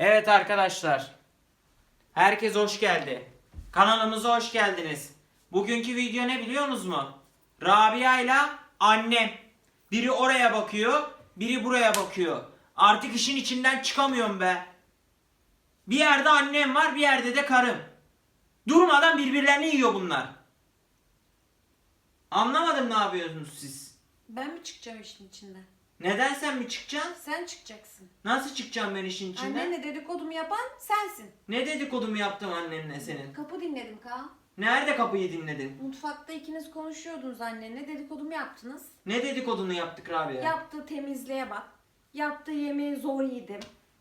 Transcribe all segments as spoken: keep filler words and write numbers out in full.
Evet arkadaşlar. Herkes hoş geldi. Kanalımıza hoş geldiniz. Bugünkü video ne biliyorsunuz mu? Rabia ile annem. Biri oraya bakıyor, biri buraya bakıyor. Artık işin içinden çıkamıyorum be. Bir yerde annem var, bir yerde de karım. Durmadan birbirlerini yiyor bunlar. Anlamadım, ne yapıyorsunuz siz? Ben mi çıkacağım işin içinden? Neden sen mi çıkacaksın? Sen çıkacaksın. Nasıl çıkacağım ben işin içinden? Annenle dedikodumu yapan sensin. Ne dedikodumu yaptım annenle senin? Kapı dinledim Kaan. Nerede kapıyı dinledin? Mutfakta ikiniz konuşuyordunuz annenle. Dedikodumu yaptınız. Ne dedikodunu yaptık Rabia? Yaptığı temizliğe bak. Yaptığı yemeği zor yedim.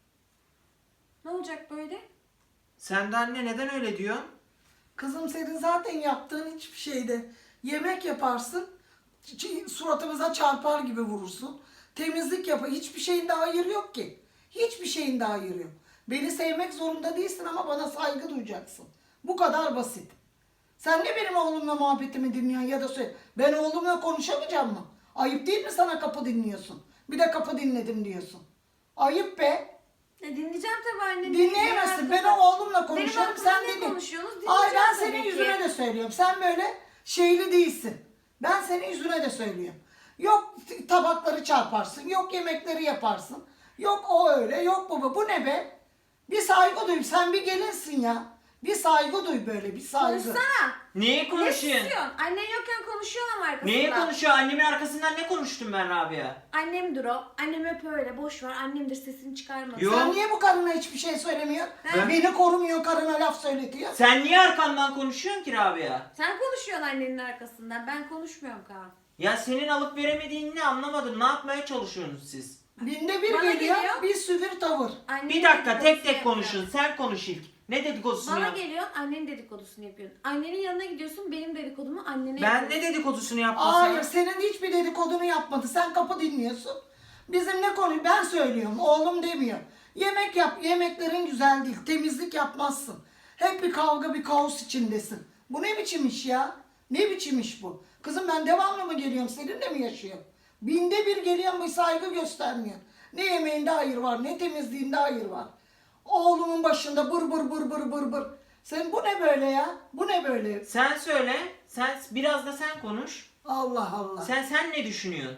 Ne olacak böyle? Sen de anne neden öyle diyorsun? Kızım senin zaten yaptığın hiçbir şeyde yemek yaparsın, ç- suratımıza çarpar gibi vurursun. Temizlik yap, hiçbir şeyin de hayır yok ki. Hiçbir şeyin de hayır yok. Beni sevmek zorunda değilsin ama bana saygı duyacaksın. Bu kadar basit. Sen ne benim oğlumla muhabbetimi dinliyorsun ya da söyle. Ben oğlumla konuşamayacağım mı? Ayıp değil mi sana kapı dinliyorsun? Bir de kapı dinledim diyorsun. Ayıp be. E dinleyeceğim tabii anne. Dinleyemezsin. Ben o oğlumla konuşuyorum. Benim Sen hakkımda ne dinle. konuşuyorsunuz? Ay ben Dinleyeceğim senin tabii ki. yüzüne de söylüyorum. Sen böyle şeyli değilsin. Ben senin yüzüne de söylüyorum. Yok t- tabakları çarparsın. Yok yemekleri yaparsın. Yok o öyle. Yok bu bu. Bu ne be? Bir saygı duy. Sen bir gelinsin ya. Bir saygı duy böyle. Bir saygı. Konuşsana. Neyi Ne konuşuyorsun? istiyorsun? Annen yokken konuşuyorlar arkasında. Neyi konuşuyor? Annemin arkasından ne konuştum ben Rabia? Annemdir o. Annem hep öyle. Boş ver. Annemdir, sesini çıkarma. Yok. Sen niye bu karına hiçbir şey söylemiyorsun? Ben- Beni korumuyor, karına laf söyletiyor. Sen niye arkamdan konuşuyorsun ki Rabia? Sen konuşuyorsun annenin arkasından. Ben konuşmuyorum Kaan. Ya senin alıp veremediğini ne anlamadım. Ne yapmaya çalışıyorsunuz siz? Binde bir Bana geliyor, geliyor. bir süvir tavır. Annenin Bir dakika tek dedikodusunu tek yapıyor. konuşun. Sen konuş ilk. Ne dedikodusunu Bana yap? geliyorsun, annenin dedikodusunu yapıyorsun. Annenin yanına gidiyorsun, benim dedikodumu annene Ben yapıyorsun. ne dedikodusunu yaptım Hayır, sana? senin hiçbir dedikodunu yapmadı. Sen kapı dinliyorsun. Bizim ne konu? Ben söylüyorum, oğlum demiyor. Yemek yap, yemeklerin güzel değil. Temizlik yapmazsın. Hep bir kavga, bir kaos içindesin. Bu ne biçim iş ya? Ne biçim iş bu? Kızım ben devamlı mı geliyorum, seninle mi yaşıyorum? Binde bir geliyorum, bir saygı göstermiyor. Ne yemeğinde hayır var, ne temizliğinde hayır var. Oğlumun başında bır bır bır bır bır bır. Sen bu ne böyle ya? Bu ne böyle? Sen söyle. Sen biraz da sen konuş. Allah Allah. Sen sen ne düşünüyorsun?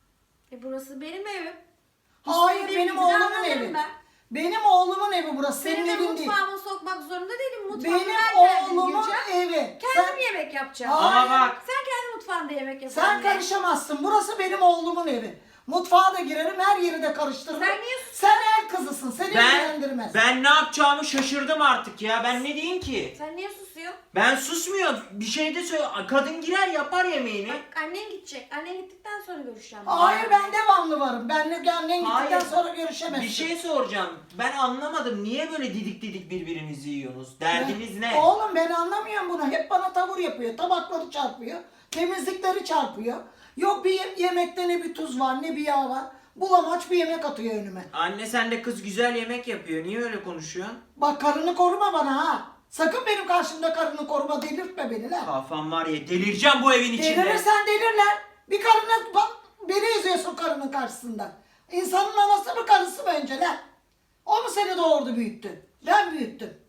E burası benim evim. Hayır, İstediğim benim gibi oğlumun davranırım evi. ben. Benim oğlumun evi burası, senin Senin de evin değil. mutfağıma sokmak zorunda değilim. Mutfağıma Benim ben kendim oğlumun gireceğim. evi. Kendim Sen, yemek yapacağım. Hayır. Ama bak. Sen kendi mutfağında yemek yap. sen anne. karışamazsın. Burası benim oğlumun evi. Mutfağa da girerim, her yeri de karıştırırım. Sen niye sus- Sen el kızısın, seni Ben ilgilendirmez. ben ne yapacağımı şaşırdım artık ya. Ben ne diyeyim ki? Sen niye susuyorsun? Ben susmuyorum. Bir şey de söyle. Kadın girer yapar yemeğini. Bak annen gidecek. Annen gittikten sonra görüşeceğim. Hayır, ben devamlı varım. Benle annen Hayır. gittikten sonra görüşemezsin. Bir şey soracağım. Ben anlamadım. Niye böyle didik didik birbirinizi yiyorsunuz? Derdiniz ne? Oğlum ben anlamıyorum bunu. Hep bana tavır yapıyor. Tabakları çarpıyor. Temizlikleri çarpıyor. Yok bir ye- yemekte ne bir tuz var ne bir yağ var. Bulamaç bir yemek atıyor önüme. Anne sen de kız güzel yemek yapıyor. Niye öyle konuşuyorsun? Bak karını koruma bana ha. Sakın benim karşımda karını koruma, delirtme beni lan. Kafam var ya, delireceğim bu evin içinde. Delirirsen delirler. Bir karına bak, beni üzüyorsun karının karşısında. İnsanın anası mı karısı mı önce lan? O mu seni doğurdu büyüttü? Ben büyüttüm.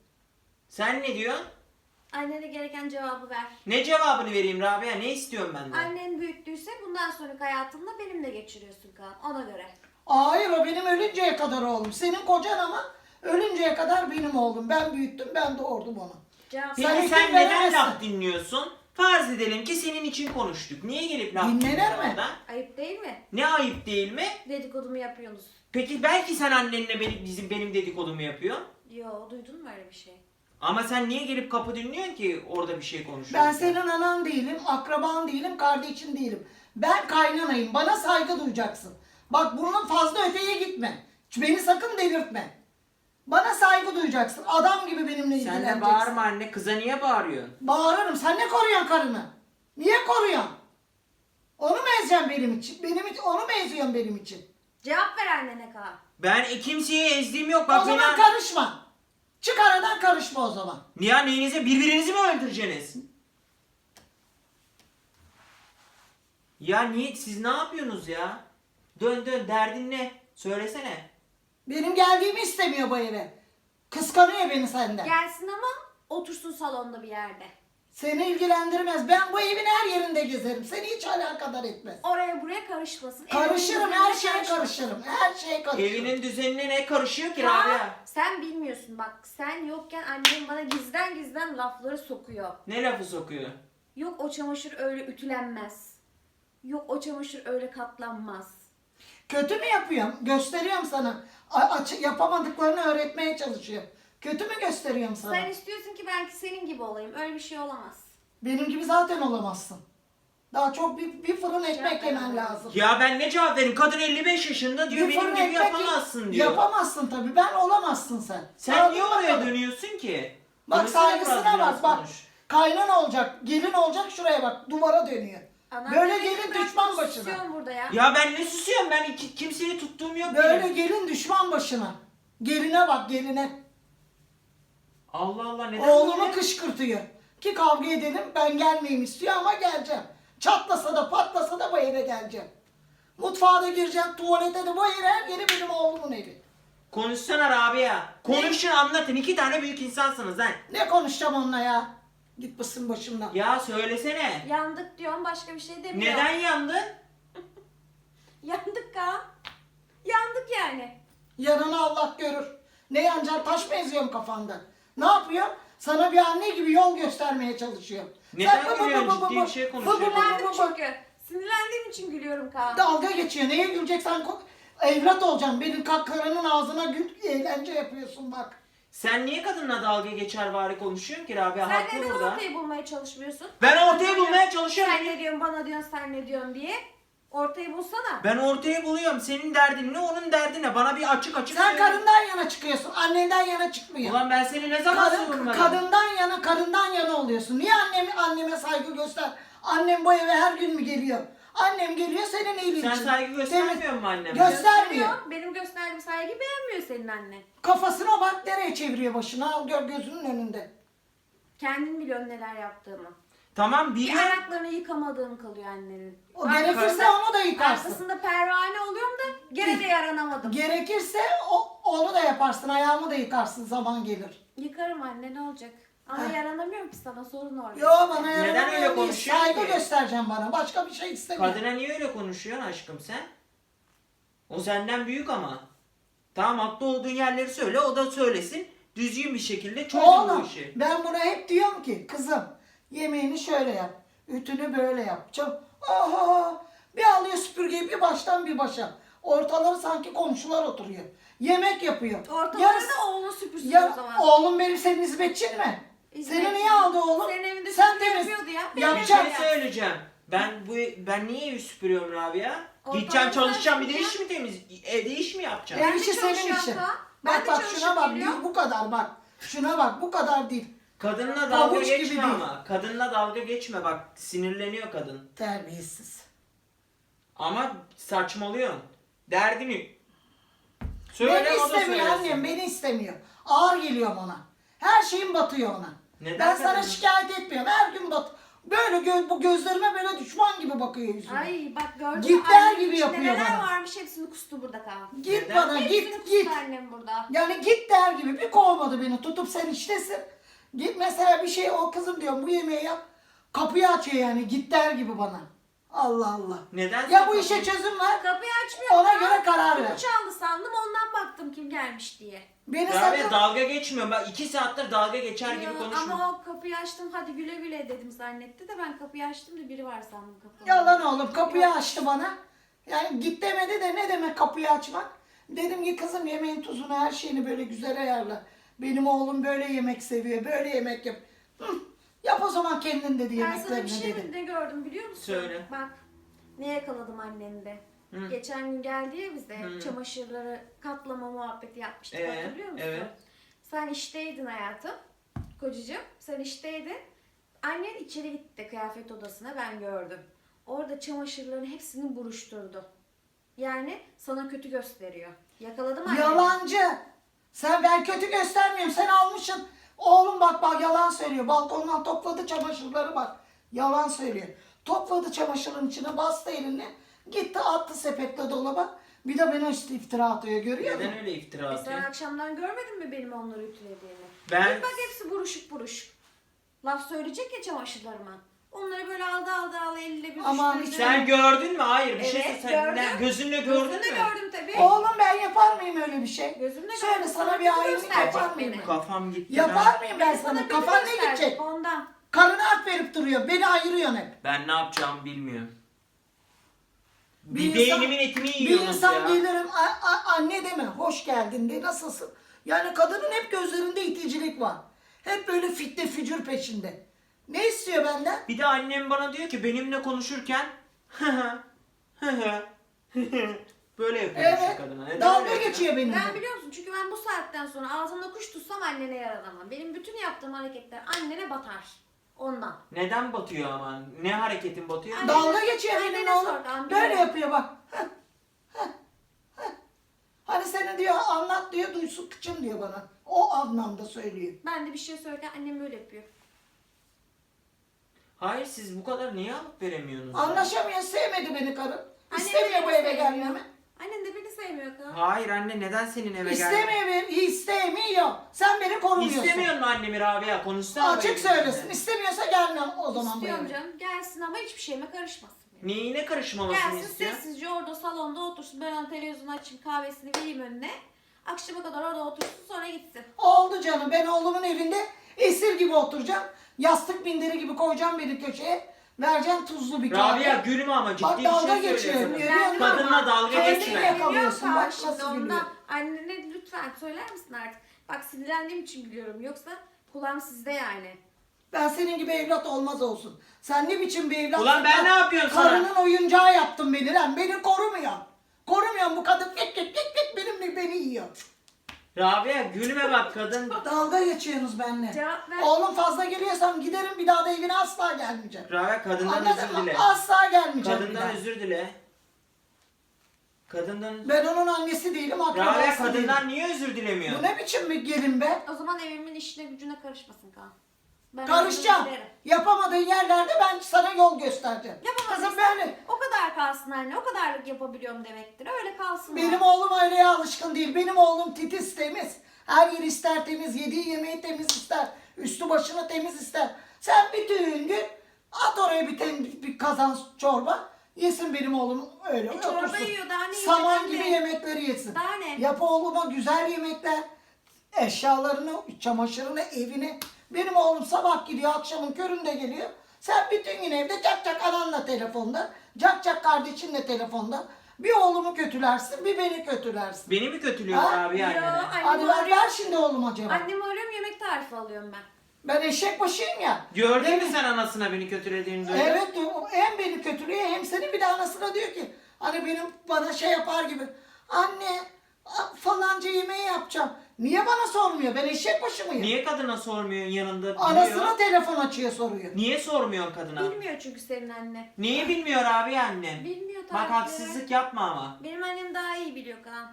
Sen ne diyorsun? Annene gereken cevabı ver. Ne cevabını vereyim Rabia? Ne istiyorsun benden? Annen büyüttüyse bundan sonraki hayatında benimle geçiriyorsun Kaan. Ona göre. Hayır, o benim ölünceye kadar oğlum. Senin kocan ama ölünceye kadar benim oğlum. Ben büyüttüm, ben doğurdum onu. Cevap Peki Sen sen, izin neden veremezsin. laf dinliyorsun? Farz edelim ki senin için konuştuk. Niye gelip laf Dinlenir dinliyorsun mi? orada? ayıp değil mi? Ne ayıp değil mi? Dedikodumu yapıyorsunuz. Peki belki sen annenle benim, bizim benim dedikodumu yapıyorsun. Yo, duydun mu öyle bir şey? Ama sen niye gelip kapı dinliyorsun ki orada bir şey konuşuyorsun? Ben senin anan değilim, akraban değilim, kardeşin değilim. Ben kaynanayım. Bana saygı duyacaksın. Bak bunun fazla öteye gitme. Beni sakın delirtme. Bana saygı duyacaksın. Adam gibi benimle Sen ilgileneceksin. de bağırma anne. Kıza niye bağırıyorsun? Bağırırım. Sen ne koruyorsun karını? Niye koruyorsun? Onu mu ezeceksin benim için? Benim için onu mu eziyorsun benim için? Cevap ver annene Kaan. Ben kimseye ezdiğim yok. O Bak zaman beni... karışma. Çık aradan, karışma o zaman. Niye neyinize birbirinizi mi öldüreceksiniz? Ya niye siz ne yapıyorsunuz ya? Dön dön, derdin ne? Söylesene. Benim geldiğimi istemiyor bu eve. Kıskanıyor beni senden. Gelsin ama otursun salonda bir yerde. Seni ilgilendirmez. Ben bu evin her yerinde gezerim. Seni hiç alakadar etmez. Oraya buraya karışmasın. Karışırım, Evinin her düzenine şeye karışmasın. karışırım. Her şeye karışırım. Evinin düzenine ne karışıyor ki Ya, Rabia? sen bilmiyorsun bak. Sen yokken annem bana gizden gizden lafları sokuyor. Ne lafı sokuyor? Yok o çamaşır öyle ütülenmez. Yok o çamaşır öyle katlanmaz. Kötü mü yapıyorum? Gösteriyorum sana. A- aç- yapamadıklarını öğretmeye çalışıyorum. Kötü mü gösteriyorum sana? Sen istiyorsun ki belki senin gibi olayım. Öyle bir şey olamaz. Benim gibi zaten olamazsın. Daha çok bir, bir fırın ekmek Cevap yemen veremem. lazım. Ya ben ne cevap vereyim? Kadın elli beş yaşında diyor, Bir benim fırın gibi ekmek yapamazsın diyor. Yapamazsın tabii. Ben olamazsın sen. Sen Hadi niye oraya bakalım. dönüyorsun ki? Bak Konuşsana saygısına biraz, biraz bak bak. konuş. Kaynan olacak, gelin olacak şuraya bak. Duvara dönüyor. Anam Böyle beni gelin bırak, düşman başına. susuyorsun burada ya. Ya ben ne susuyorum? Ben iki, kimseyi tuttuğum yok Böyle benim. gelin düşman başına. Geline bak geline. Allah Allah, neden Oğlumu böyle? kışkırtıyor. Ki kavga edelim ben gelmeyeyim istiyor ama geleceğim. Çatlasa da patlasa da bu eve geleceğim. Mutfağa da gireceğim, tuvalete de bu eve her yeri benim oğlumun evi. Konuşsana Rabia. Konuşun, anlatın. İki tane büyük insansınız lan. Ne konuşacağım onunla ya? Git basın başımdan. Ya söylesene. Yandık diyorum başka bir şey demiyor. Neden yandın? Yandık ha. Yandık yani. Yanını Allah görür. Ne yanacak taş mı eziyorum kafanda? Ne yapıyor? Sana bir anne gibi yol göstermeye çalışıyor. Neden Sen bı bı gülüyorsun? bı bı Ciddi bı bir şey bı konuşuyor. bı bı bı Sinirlendim bı. çünkü. Sinirlendiğim için gülüyorum Kaan. Dalga geçiyor. Neye güleceksen ko- evlat olacaksın. Benim kaklarının ağzına gül, eğlence yapıyorsun bak. Sen niye kadınla dalga geçer vari konuşuyorsun ki Rabia? Sen Haklı neden burada. ortayı bulmaya çalışmıyorsun? Ben ortayı bulmaya çalışıyorum. Sen ne diyorsun bana diyorsun sen ne diyorsun diye. Ortayı bulsana. Ben ortaya buluyorum. Senin derdin ne, onun derdi ne? Bana bir açık açık Sen söyle. karından yana çıkıyorsun. Annenden yana çıkmıyor. Ulan ben seni ne zaman Kadın, savunmadım? kadından yana, karından yana oluyorsun. Niye anneme, anneme saygı göster? Annem bu eve her gün mü geliyor? Annem geliyor senin iyiliğin Sen için. saygı göstermiyor Temiz- musun anneme? Göstermiyor. Benim gösterdiğim saygı beğenmiyor senin annen. Kafasına bak nereye çeviriyor başını. Al gör gözünün önünde. Kendin biliyorsun neler yaptığımı. Tamam Bir biliyorum. ayaklarını yıkamadığım kalıyor annenin. O gerekirse onu da yıkarsın. Arkasında pervane oluyorum da gene de yaranamadım. Gerekirse o, onu da yaparsın. Ayağımı da yıkarsın zaman gelir. Yıkarım anne ne olacak? Ama Heh. yaranamıyorum ki sana sorun orada. Yo bana Neden yaramıyor öyle değil. konuşuyorsun Saygı ki? göstereceğim bana. Başka bir şey istemiyorum. Kadına niye öyle konuşuyorsun aşkım sen? O senden büyük ama. Tamam, haklı olduğun yerleri söyle, o da söylesin. Düzgün bir şekilde çözün bu Oğlum işi. ben buna hep diyorum ki kızım yemeğini şöyle yap. Ütünü böyle yap. Çok, aha, bir alıyor süpürgeyi bir baştan bir başa. Ortaları sanki komşular oturuyor. Yemek yapıyor. Ortaları Yarısı- da oğlunu süpürsün Ya, o zaman. oğlum benim senin hizmetçin mi? Hizmetçi. Seni niye aldı oğlum? Senin evinde Sen süpürge temiz. yapıyordu ya. Bir Yapacak. şey söyleyeceğim. Ben bu ben niye evi süpürüyorum Rabia? Ortalığı Gideceğim çalışacağım, bir de süpüreceğim. iş mi temiz? Evde iş mi yapacağım? Ben Ev de işi senin çalışıyorum işin. Kaan. Ben Bak de bak şuna çalışıp bak geliyorum. değil bu kadar bak. Şuna bak bu kadar değil. Kadınla dalga Pabuç gibi geçme değil. ama. Kadınla dalga geçme bak. Sinirleniyor kadın. Terbiyesiz. Ama saçmalıyorsun. Derdini söyle, Beni o da istemiyor söylesin. annem beni istemiyor. Ağır geliyor ona. Her şeyim batıyor ona. Neden ben sana kadın? şikayet etmiyorum. Her gün bat. Böyle gö- bu gözlerime böyle düşman gibi bakıyor yüzüme. Ay bak gördün mü? Git der Annemin gibi içinde yapıyor neler bana. varmış hepsini kustu burada Kaan. Git Neden? bana Hepsini git kustu git. annem burada. Yani git der gibi bir kovmadı beni tutup sen iştesin. Git mesela bir şey o kızım diyorum bu yemeği yap. Kapıyı açıyor yani git der gibi bana. Allah Allah. Neden Ya sen bu işe kapıyı- çözüm ver. Kapıyı açmıyor. Ona Kaan. göre karar Kapı ver. çaldı sandım ondan baktım kim gelmiş diye. Beni Rabia sakın dalga geçmiyorum. Ben iki saattir dalga geçer gibi Ya, konuşma. ama o kapıyı açtım hadi güle güle dedim zannetti de ben kapıyı açtım da biri var sandım kapıda. yalan oğlum kapıyı açtı bana. Yani git demedi de ne demek kapıyı açmak. Dedim ki kızım yemeğin tuzunu her şeyini böyle güzel ayarla. Benim oğlum böyle yemek seviyor böyle yemek yap. Hı, yap o zaman kendin dedi Ben sana bir yemeklerini şey dedi. ne gördüm biliyor musun? Söyle. Bak ne yakaladım annemde. Hı. Geçen gün geldi ya bize Hı. çamaşırları katlama muhabbeti yapmıştık Ee, hatırlıyor musun? evet. Sen işteydin hayatım. Kocacığım sen işteydin. Annen içeri gitti kıyafet odasına ben gördüm. Orada çamaşırların hepsini buruşturdu. Yani sana kötü gösteriyor. Yakaladım annemi. Yalancı. Sen ben kötü göstermiyorum. Sen almışsın. Oğlum bak bak yalan söylüyor. Balkondan topladı çamaşırları bak. Yalan söylüyor. Topladı çamaşırın içine bastı eline. Gitti attı sepetle dolaba. Bir de bana işte iftira atıyor, görüyor musun? Neden öyle iftira E atıyor? sen akşamdan görmedin mi benim onları ütülediğimi? Ben- Bir bak hepsi buruşuk buruşuk. Laf söyleyecek ya çamaşırlarıma. Onları böyle aldı aldı aldı eliyle bir Aman düşürdü. Sen gördün mü? Hayır bir şey Evet, sen gördüm. ne- gözünle gördün Gözümle mü? gördüm tabii. Oğlum ben yapar mıyım öyle bir şey? Gözümle Söyle gördüm, sana sana bir kötü hainlik gösterecek yapar mıyım? beni. ben? Kafam gitti. Yapar mıyım ben Beni sana? kötü Kafan ne gösterecek, gidecek? Ondan. Karına hak verip duruyor. Beni ayırıyorsun hep. Ben ne yapacağımı bilmiyorum. Bir, Bir insan- beynimin etini Bir yiyorsunuz insan ya. gelirim "A- a- anne deme, hoş geldin de nasılsın? Yani kadının hep gözlerinde iticilik var. Hep böyle fitne fücur peşinde. Ne istiyor benden? Bir de annem bana diyor ki benimle konuşurken böyle yapıyor işte Evet. kadına. Neden Dalga öyle yapıyor? geçiyor benimle. Ben biliyor musun? Çünkü ben bu saatten sonra ağzımda kuş tutsam annene yaralamam. Benim bütün yaptığım hareketler annene batar. Ondan. Neden batıyor ama? Ne hareketin batıyor? Anne- Dalga geçiyor Annene benimle oğlum. sor, annene. Böyle yapıyor bak. Heh, heh, heh. Hani seni diyor anlat diyor, duysun kıçım diyor bana. O anlamda söylüyor. Ben de bir şey söylerken annem böyle yapıyor. Hayır siz bu kadar niye alıp veremiyorsunuz? ya? Anlaşamıyor, sevmedi beni karım. Annem İstemiyor de bu beni eve sevmiyor. gelmemi. Annen de beni sevmiyor kız. Hayır anne neden senin eve geldin? İstemiyor beni, istemiyor. Sen beni korumuyorsun. İstemiyor mu annemi Rabia? Konuşsana. Açık böyle söylesin. bizimle. İstemiyorsa gelmem o zaman bu İstiyorum eve. canım. Gelsin ama hiçbir şeyime karışmasın. Neyine karışmamasını Gelsin istiyor? sessizce orada salonda otursun. Ben ona televizyonu açayım, kahvesini vereyim önüne. Akşama kadar orada otursun, sonra gitsin. Oldu canım. Ben oğlumun evinde esir gibi oturacağım. Yastık minderi gibi koyacağım beni köşeye. Vereceğim tuzlu bir kahve. Rabia gülme ama ciddi Bak bir dalga şey geçiyor. söylüyorsun. Görüyor musun? Kadınla dalga Kendini geçme. yakalıyorsun. Bak Şimdi nasıl ondan. gülüyor. Annene lütfen söyler misin artık? Bak sinirlendiğim için gülüyorum. Yoksa kulağım sizde yani. Ben senin gibi evlat olmaz olsun. Sen ne biçim bir evlat? Ulan ben ne yapıyorum sana? Karının oyuncağı yaptın beni lan. Beni korumuyor. Korumuyor bu kadın. Git git git git benimle beni yiyor. Rabia gülme bak kadın. Dalga geçiyorsunuz benimle. Cevap ver. Oğlum fazla geliyorsam giderim bir daha da evine asla gelmeyeceğim. Rabia kadından Anladın özür mı? dile. Asla gelmeyeceğim bir Kadından daha. özür dile. Kadından... Ben onun annesi değilim, Rabia akrabası değilim. kadından niye özür Bu dilemiyor? ne biçim bir gelin be? O zaman evimin işine gücüne karışmasın Kaan. Ben Karışacağım. özür dilerim. Yapamadığın yerlerde ben sana yol göstereceğim. Yapamadıysan Kızım böyle. o kadar kalsın anne. O kadarlık yapabiliyorum demektir. Öyle kalsın. Benim o. oğlum öyleye alışkın değil. Benim oğlum titiz temiz. Her yer ister temiz. Yediği yemeği temiz ister. Üstü başını temiz ister. Sen bütün gün at oraya bir, tem- bir kazan çorba. Yesin benim oğlum öyle. E, çorba otursun. yiyor, daha ne yiyecek Saman anne? gibi yemekleri yesin. Daha ne? Yap oğluma güzel yemekler. Eşyalarını, çamaşırını, evini. Benim oğlum sabah gidiyor, akşamın köründe geliyor. Sen bütün gün evde cak cak ananla telefonda, cak cak kardeşinle telefonda. Bir oğlumu kötülersin, bir beni kötülersin. Beni mi kötülüyor Ha? Rabia Yo, annene? annemi Hadi ver, arıyorum. ver şimdi oğluma cevap. Annemi arıyorum, yemek tarifi alıyorum ben. Ben eşek başıyım ya. Gördün Değil mü mi? sen anasına beni kötülediğini duydun? Evet, o hem beni kötülüyor hem seni, bir de anasına diyor ki hani benim bana şey yapar gibi. Anne a- falanca yemeği yapacağım. Niye bana sormuyor? Ben eşek başı mıyım? Niye kadına sormuyorsun yanında Anasına biliyor? telefon açıyor soruyor. Niye sormuyorsun kadına? Bilmiyor çünkü senin annen. Niye bilmiyor abi annem? Bilmiyor Bak tarifleri. haksızlık yapma ama. Benim annem daha iyi biliyor Kaan.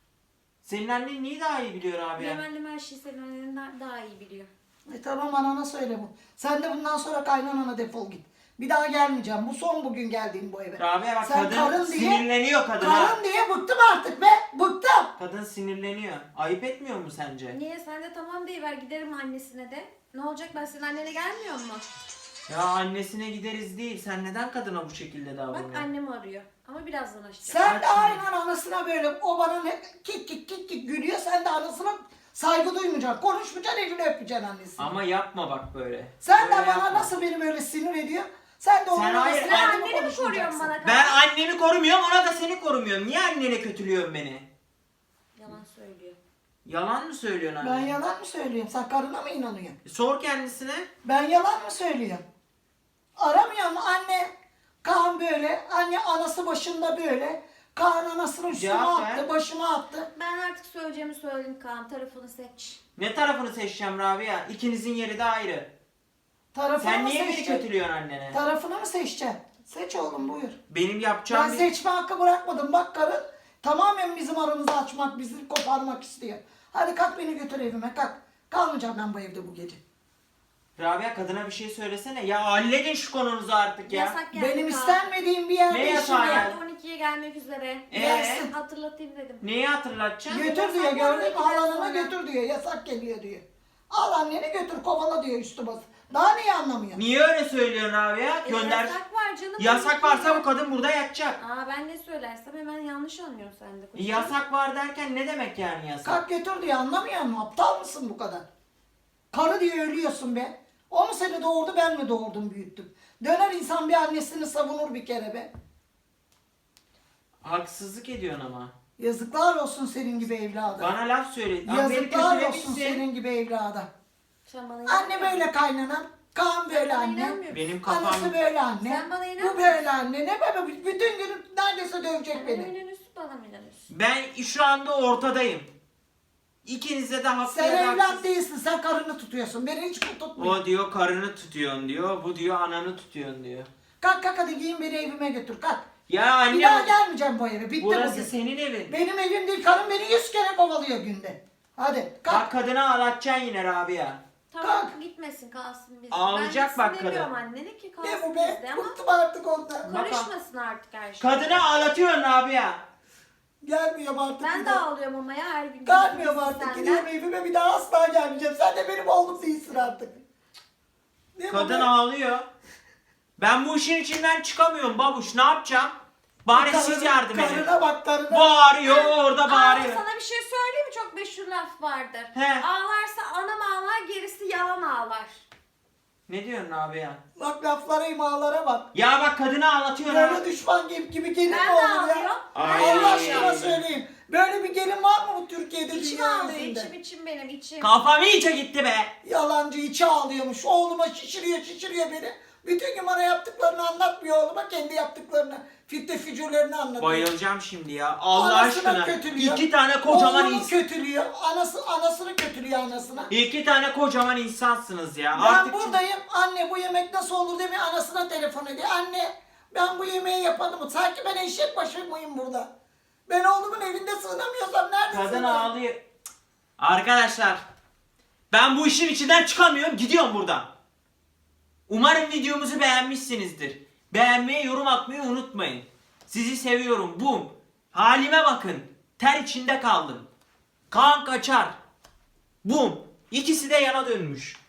Senin annen niye daha iyi biliyor abi? Benim annem her şeyi senin annenden daha iyi biliyor. E tamam, anana söyle bu. Sen de bundan sonra kaynanana defol git. Bir daha gelmeyeceğim. Bu son bugün geldiğim bu eve. Rabia bak Sen kadın karın diye- sinirleniyor kadına. Karın diye bıktım artık be. Bıktım. Kadın sinirleniyor. Ayıp etmiyor mu sence? Niye sen de tamam deyiver, giderim annesine de. Ne olacak, ben senin annene gelmiyor mu? Ya annesine gideriz değil. Sen neden kadına bu şekilde Bak davranıyorsun? annem arıyor. Ama birazdan açacağım. Sen de Açma. aynen anasına böyle, o bana ne kik kik kik kik gülüyor. Sen de anasına saygı duymayacaksın. Konuşmayacaksın, elini öpeceksin annesini. Ama yapma bak böyle. Sen Böyle de bana yapma. nasıl beni böyle sinir ediyor. Sen de onun Sen hayır, anasına Sen annemi annemi anneni mi koruyorsun konuşmayacaksın. bana Kaan? Ben annemi korumuyorum, ona da seni korumuyorum. Niye annene kötülüyorsun beni? Yalan söylüyor. Yalan mı söylüyorsun anne? Ben yalan mı söylüyorum? Sen karına mı inanıyorsun? Sor kendisine. Ben yalan mı söylüyorum? Aramıyor mu anne? Kaan böyle, anne anası başında böyle. Kaan anasını üstüme Cevap ver. attı, başıma attı. Ben artık söyleyeceğimi söyledim Kaan. Tarafını seç. Ne tarafını seçeceğim Rabia? İkinizin yeri de ayrı. Tarafını Sen mı niye beni seçeceksin? kötülüyorsun annene? Tarafını mı seçeceksin? Seç oğlum, buyur. Benim yapacağım Ben bir... seçme hakkı bırakmadım. Bak karın tamamen bizim aramızı açmak, bizi koparmak istiyor. Hadi kalk beni götür evime, kalk. Kalmayacağım ben bu evde bu gece. Rabia kadına bir şey söylesene. Ya halledin şu konunuzu artık ya. Yasak geldi. Benim Kaan. istenmediğim bir yerde Ne işim yasağı var. ya? Saat on ikiye gelmek üzere. Ee? Gelsin. Hatırlatayım dedim. Neyi hatırlatacaksın? Götür diyor, Yasak gördün mü? geldi, Halanına sonra. götür diyor. Yasak geliyor diyor. Al anneni götür, kovala diyor üstü bası. Daha neyi anlamıyor? Niye öyle söylüyorsun abi ya? E, Gönder. Yasak var canım. Yasak on varsa ikiye bu kadın burada yatacak. Aa ben ne söylersem hemen yanlış anlıyorsun sen de. E, kocacığım. Yasak var derken ne demek yani yasak? Kalk götür diyor, anlamıyor musun? Aptal mısın bu kadar? Karı diye ölüyorsun be. O mu seni doğurdu, ben mi doğurdum, büyüttüm? Döner insan bir annesini savunur bir kere be. Haksızlık ediyorsun ama. Yazıklar olsun senin gibi evlada. Bana laf söyle. Lan beni Yazıklar olsun kötülemişsin. senin gibi evlada. Sen bana Anne inanmıyor böyle kaynanam, Kaan böyle Bana anne. inanmıyor musun? Benim kafam... Anası böyle anne. Sen bana Bu inanmıyorsun. böyle anne. Ne böyle bütün gün neredeyse dövecek Bana beni. mı inanıyorsun, bana mı inanıyorsun? Ben şu anda ortadayım. İkinize de haklı Sen ya da evlat haksız. değilsin, sen karını tutuyorsun. Beni hiç tutmuyor. O diyor karını tutuyorsun diyor. Bu diyor ananı tutuyorsun diyor. Kalk kalk hadi giyin beni evime götür kalk. Ya Bir anne daha bu- gelmeyeceğim bu eve. Bitti burası bugün. senin evin. Benim evim değil. Karım beni yüz kere kovalıyor günde. Hadi kalk. Bak kadını ağlatacaksın yine Rabia. Tamam Kalk. gitmesin kalsın bizde. Ağlayacak ben bak gitsin demiyorum kadın. annene ki Ne kalsın bu be? bizde ama Bıktım artık ondan. Bak- karışmasın artık her şey. Kadını ağlatıyorsun Rabia. Gelmiyorum artık. Ben bir de daha. ağlıyorum ama ya her gün. Gelmiyorum artık. Senden. Gidiyorum evime bir daha asla gelmeyeceğim. Sen de benim oğlum değilsin artık. Ne bu Kadın be? ağlıyor. Ben bu işin içinden çıkamıyorum babuş. Ne yapacağım? Bari Karına- siz yardım edin. Karına bak karına. Bağırıyor orada Aa, bağırıyor. sana bir şey söyleyeyim mi? Çok meşhur laf vardır. He. Ağlarsa anam ağlar, gerisi yalan ağlar. Ne diyorsun Rabia? Bak laflara imalara bak. Ya bak kadını ağlatıyorsun ha. Böyle düşman gibi, gibi gelin Ben mi de olur ağlıyorum. ya? Ay. Allah aşkına söyleyeyim. Böyle bir gelin var mı bu Türkiye'de İçim dünya ağlıyor, yüzünde? içim içim benim içim. Kafam iyice gitti be. Yalancı içi ağlıyormuş. Oğluma şişiriyor şişiriyor beni. Bütün gün bana yaptıklarını anlatmıyor oğluma. Kendi yaptıklarını, fitne fücurlarını anlatıyor. Bayılacağım şimdi ya. Allah Anasını aşkına. kötülüyor. İki tane kocaman Oğlunu insan. kötülüyor. Anası, anasını kötülüyor anasına. İki tane kocaman insansınız ya. Ben Artık buradayım. Anne bu yemek nasıl olur demiyor. Anasına telefon ediyor. Anne ben bu yemeği yapadım. Sanki ben eşek başı mıyım burada? Ben oğlumun evinde sığınamıyorsam nerede kadın sığınayım? ağlıyor. Cık. Arkadaşlar. Ben bu işin içinden çıkamıyorum. Gidiyorum buradan. Umarım videomuzu beğenmişsinizdir. Beğenmeyi, yorum atmayı unutmayın. Sizi seviyorum. Bum. Halime bakın. Ter içinde kaldım. Kaan kaçar. Bum. İkisi de yana dönmüş.